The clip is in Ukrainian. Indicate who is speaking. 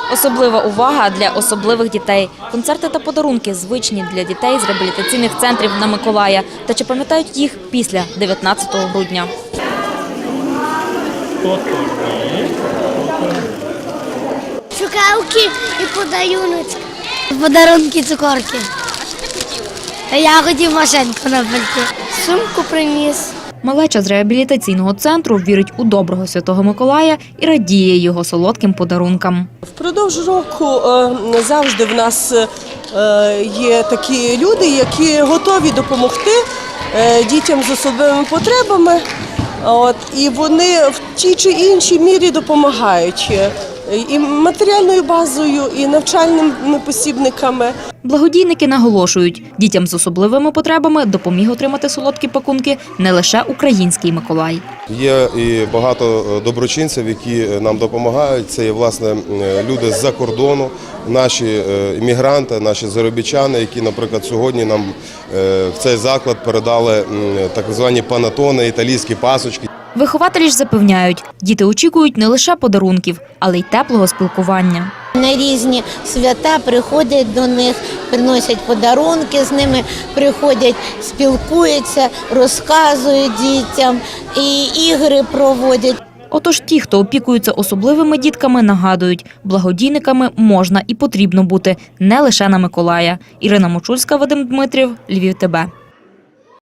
Speaker 1: Особлива увага для особливих дітей. Концерти та подарунки звичні для дітей з реабілітаційних центрів на Миколая. Та чи пам'ятають їх після 19 грудня?
Speaker 2: Цукерки і подарунки. Подарунки, цукерки. Я хотів машинку на пальці. Сумку приніс.
Speaker 1: Малеча з реабілітаційного центру вірить у доброго Святого Миколая і радіє його солодким подарункам.
Speaker 3: Впродовж року завжди в нас є такі люди, які готові допомогти дітям з особливими потребами. І вони в тій чи іншій мірі допомагають і матеріальною базою, і навчальними посібниками.
Speaker 1: Благодійники наголошують, дітям з особливими потребами допоміг отримати солодкі пакунки не лише український Миколай.
Speaker 4: Є і багато доброчинців, які нам допомагають. Це є, власне, люди з-за кордону, наші іммігранти, наші заробітчани, які, наприклад, сьогодні нам в цей заклад передали так звані панетони, італійські пасочки.
Speaker 1: Вихователі ж запевняють, діти очікують не лише подарунків, але й теплого спілкування.
Speaker 5: На різні свята приходять до них, приносять подарунки, з ними приходять, спілкуються, розказують дітям і ігри проводять.
Speaker 1: Отож ті, хто опікується особливими дітками, нагадують, благодійниками можна і потрібно бути не лише на Миколая. Ірина Мочульська, Вадим Дмитрів, Львів ТБ.